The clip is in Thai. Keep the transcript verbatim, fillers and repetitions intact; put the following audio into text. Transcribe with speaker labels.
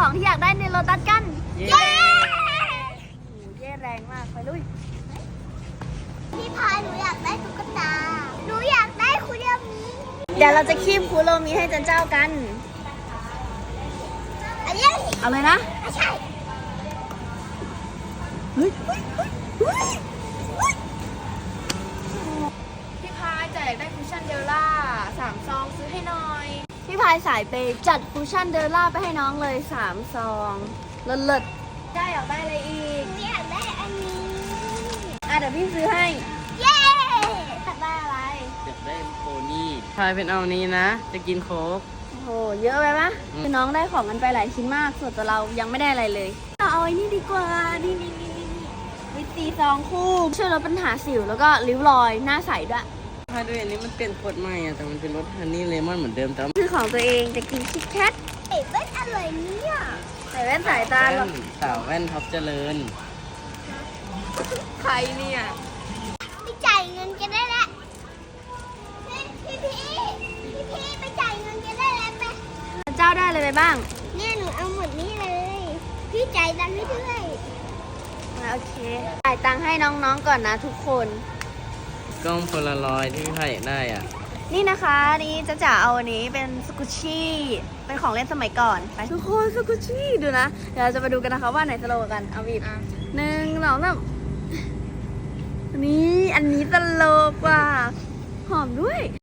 Speaker 1: ของที่อยากได้ในโลตัสกัน
Speaker 2: เย้
Speaker 1: เย้แรงมากไปลุย
Speaker 3: พี่พายหนูอยากได้ตุ๊กตา หนูอยากได้คุเรียมี
Speaker 1: เดี๋ยวเราจะคีบคุโรมิให้จันเจ้ากัน
Speaker 3: อันนี้
Speaker 1: เอาเลยนะ
Speaker 3: ไม่ใช่
Speaker 1: เฮ้ยพี่พายจะอยากได้คุชชั่นเดลล่าสามซองซื้อให้หน่อย พี่พายสายเปย์จัดคุชชั่นเดลล่าไปให้น้องเลยสามซองเลิศๆได้อยากได้อะไรอีก
Speaker 3: หนูอยากได้อันนี้
Speaker 1: อ่ะเดี๋ยวพี่ซื้อให้
Speaker 3: เย้
Speaker 1: อยากได้อะไร
Speaker 2: อยากได้โพนี่พายเป็นเอานี้นะ จะกินโค้ก
Speaker 1: โอ้โหเยอะไปปะคือน้องได้ของกันไปหลายชิ้นมากส่วนตัวเรายังไม่ได้อะไรเลยเอาไอ้นี่ดีกว่านี่นี่นี่นี่วิตซีซองคู่ช่วยลดปัญหาสิวแล้วก็ริ้วรอยหน้าใสด้วย
Speaker 2: พายด้วยอันนี้มันเป็นขวดใหม่อะแต่มันเป็นรสฮันนี่เลมอนเหมือนเดิมแต่ว่า
Speaker 1: คือของตัวเองจะกินคิดแคท
Speaker 3: เอ๊ะเป็นอะไรเนี่ย
Speaker 1: ใส่แว่นสายตาหรอ
Speaker 2: แว่นสาวแว่นท็อปเจริญ
Speaker 1: ใครเนี่ย
Speaker 3: ไปจ่ายเงินกันได้แล้วพี่พี่พี่พี่ไปจ่ายเงินกันได้แล้วไหม
Speaker 1: เจ้าได้เลยไปบ้าง
Speaker 3: เนี่ยหนูเอาหมดนี้เลย พี่จ่ายตังค์ให้ด้วย
Speaker 1: อ่ะโอเคจ่ายตังค์ให้น้องๆก่อนนะทุกคน
Speaker 2: กล้องโพลารอยด์ที่พี่พายอยากได้อ่ะ
Speaker 1: นี่นะคะนี่จะจ๋าเอาอันนี้เป็นสกุชชี่เป็นของเล่นสมัยก่อนไปทุกคนสกุชชี่ดูนะเดี๋ยวเราจะมาดูกันนะคะว่าไหนสโลว์กว่ากันเอาบีบหนึ่งสองสามอันนี้อันนี้ตลกกว่าหอมด้วย